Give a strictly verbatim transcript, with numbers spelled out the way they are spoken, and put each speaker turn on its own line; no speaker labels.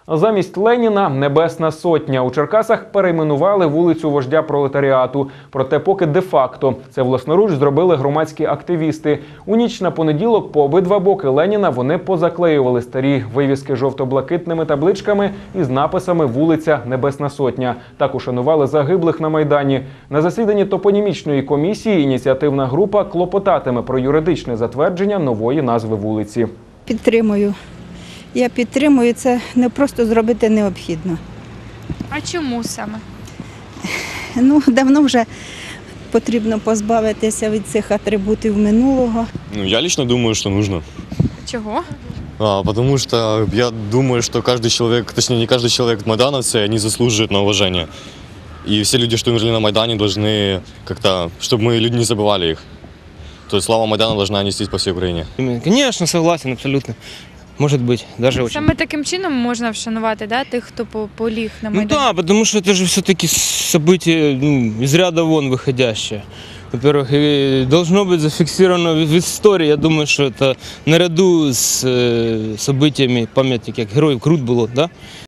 Замість Леніна – Небесна Сотня. У Черкасах перейменували вулицю вождя пролетаріату. Проте поки де-факто. Це власноруч зробили громадські активісти. У ніч на понеділок по обидва боки Леніна вони позаклеювали старі вивіски жовто-блакитними табличками із написами «Вулиця Небесна Сотня». Так ушанували загиблих на Майдані. На засіданні топонімічної комісії ініціативна група клопотатиме про юридичне затвердження нової назви вулиці.
Підтримую. Я підтримую, це не просто зробити необхідно.
А чому саме?
Ну, давно вже потрібно позбавитися від цих атрибутів минулого.
Ну, я лично думаю, что нужно.
Чого?
А, потому что я думаю, что каждый человек, точнее не каждый человек майдановцы, они заслуживают на уважение. И все люди, что умерли на Майдане, должны как-то, чтобы мы люди не забывали их. То есть слава Майдана должна нестись по всей Украине.
Конечно, согласен, абсолютно. Может быть, даже очень.
Саме таким чином можна вшанувати, да, тих, хто по- поліг на
Ну
Майдані?
да, потому что это же все-таки событие ну, из ряда вон выходящее. Во-первых, и должно быть зафиксировано в в истории. Я думаю, что это наряду с э, событиями памятника, как Героев Крут было, да?